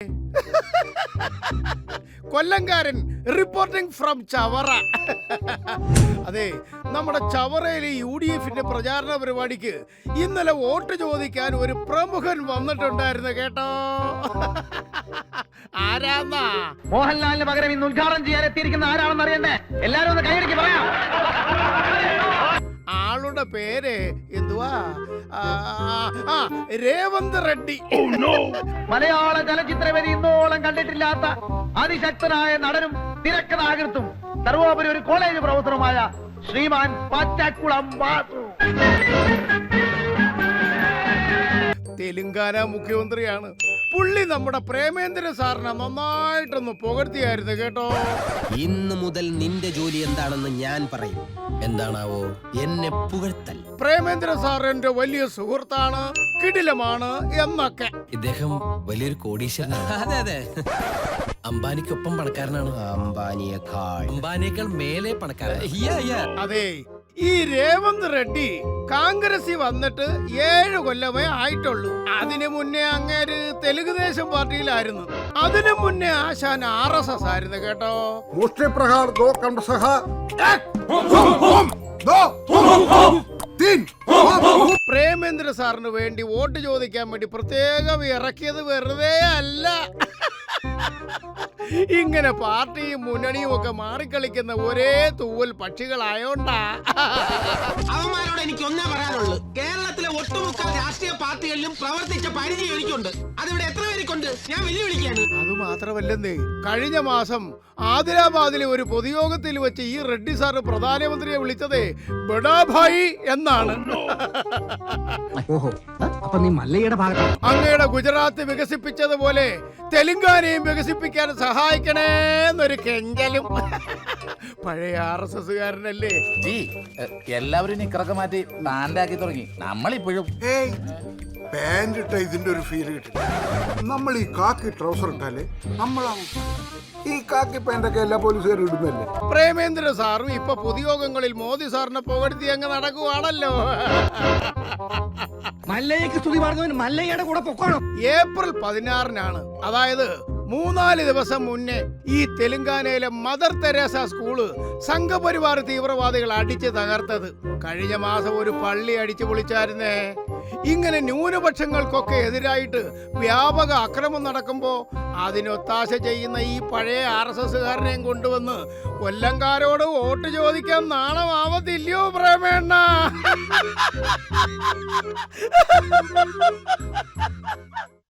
കൊല്ലംകാരൻ reporting from Chavara. അതെ, നമ്മുടെ ചവറയിലെ UDF പ്രചാരണ പരിപാടിക്ക് ഇന്നലെ വോട്ട് ചോദിക്കാൻ ഒരു പ്രമുഖൻ വന്നിട്ടുണ്ടായിരുന്നു കേട്ടോ. ആരാന്നാ? മോഹൻലാലിന് പകരം ഇന്ന് ഉദ്ഘാടനം ചെയ്യാൻ എത്തിയിരിക്കുന്ന ആരാണെന്ന് അറിയണ്ടേ? എല്ലാരും ഒന്ന് കൈയടിക്ക് പറയാം. ആളുടെ പേര് എന്തുവാ? രേവന്ത് റെഡ്ഡി. മലയാള ചലച്ചിത്രവേദി ഇന്നോളം കണ്ടിട്ടില്ലാത്ത അതിശക്തനായ നടനും തിരക്കഥാകൃത്തും സർവോപരി ഒരു കോളേജ് പ്രൊഫസറുമായ ശ്രീമാൻ പച്ചക്കുളം വാസു. തെലുങ്കാന മുഖ്യമന്ത്രിയാണ് പുള്ളി. നമ്മുടെ പ്രേമേന്ദ്ര സാറിനെ നന്നായിട്ടൊന്ന് പുകഴ്ത്തിയായിരുന്നു കേട്ടോ. ഇന്ന് മുതൽ നിന്റെ ജോലി എന്താണെന്ന് ഞാൻ പറയും. എന്താണാവോ? എന്നെ പുകഴ്ത്തൽ. പ്രേമേന്ദ്ര സാർ എന്റെ വലിയ സുഹൃത്താണ്, കിടിലമാണ് എന്നൊക്കെ. ഇദ്ദേഹം വലിയൊരു കോടീശ്വരനാണ്. അതെ അതെ, അംബാനിക്കൊപ്പം പണക്കാരനാണ്. അംബാനിയേക്കാൾ മേലെ പണക്കാരൻ. അതെ, ഈ രേവന്ത് റെഡ്ഡി കോൺഗ്രസിൽ വന്നിട്ട് 7 കൊല്ലമേ ആയിട്ടുള്ളൂ. അതിനു മുന്നേ അങ്ങേര് തെലുങ്കുദേശം പാർട്ടിയിലായിരുന്നു. അതിനു മുന്നേ ആശാൻ RSS ആയിരുന്നു കേട്ടോ. പ്രേമേന്ദ്ര സാറിന് വേണ്ടി വോട്ട് ചോദിക്കാൻ വേണ്ടി പ്രത്യേകം ഇറക്കിയത് വെറുതെ അല്ല. ഇങ്ങനെ പാർട്ടിയും മുന്നണിയും ഒക്കെ മാറിക്കളിക്കുന്ന ഒരേ തൂവൽ പക്ഷികളായോണ്ടാ. അവന്മാരോട് എനിക്ക് ഒന്നേ പറയാനുള്ളൂ, കേരളത്തിലെ ഒട്ടുമുക്കാൽ രാഷ്ട്രീയ പാർട്ടികളിലും പ്രവർത്തിച്ച പരിചയം എനിക്കുണ്ട്. അതിവിടെ എത്ര പേർക്കുണ്ട് ഞാൻ വെല്ലുവിളിക്കാണ്. അത് മാത്രമല്ലെന്നേ, കഴിഞ്ഞ മാസം ആദിലാബാദിലെ ഒരു പൊതുയോഗത്തിൽ വെച്ച് ഈ റെഡ്ഡി സാറ് പ്രധാനമന്ത്രിയെ വിളിച്ചതേ ബഡാഭായി എന്നാണ്. അങ്ങയുടെ ഗുജറാത്ത് വികസിപ്പിച്ചതുപോലെ തെലുങ്കാനയും വികസിപ്പിക്കാൻ സഹായിക്കണേ എന്നൊരു കെഞ്ചലും. പഴയ RSSകാരനല്ലേ. എല്ലാവരും നിക്കറൊക്കെ മാറ്റി പാൻഡാക്കി തുടങ്ങി. നമ്മളിപ്പോഴും പാൻറ് ഇട്ട ഇതിന്റെ ഒരു ഫീൽ കിട്ടില്ല. നമ്മൾ ഈ കാക്കി ട്രൗസർ ഇട്ടാലേ നമ്മളാവും. ഈ കാക്കി പാൻറ്റൊക്കെ എല്ലാ പോലീസുകാരും ഇടുന്നല്ലേ. പ്രേമേന്ദ്ര സാറും ഇപ്പൊ പൊതുയോഗങ്ങളിൽ മോദി സാറിനെ പുകഴ്ത്തി അങ്ങ് നടക്കുവാണല്ലോ. മല്ലയ്ക്ക് സ്തുതി പറഞ്ഞവൻ മല്ലയ്യയുടെ കൂടെ പൊക്കോണം. ഏപ്രിൽ 16-നാണ്, അതായത് 3-4 ദിവസം മുന്നേ ഈ തെലുങ്കാനയിലെ മദർ തെരേസ സ്കൂള് സംഘപരിവാർ തീവ്രവാദികൾ അടിച്ച് തകർത്തത്. കഴിഞ്ഞ മാസം ഒരു പള്ളി അടിച്ചു പൊളിച്ചായിരുന്നേ. ഇങ്ങനെ ന്യൂനപക്ഷങ്ങൾക്കൊക്കെ എതിരായിട്ട് വ്യാപക അക്രമം നടക്കുമ്പോ അതിനൊത്താശ ചെയ്യുന്ന ഈ പഴയ RSSകാരനെയും കൊണ്ടുവന്ന് കൊല്ലംകാരോട് വോട്ട് ചോദിക്കാൻ നാണമാവത്തില്ലയോ പ്രേമേണ്ണ?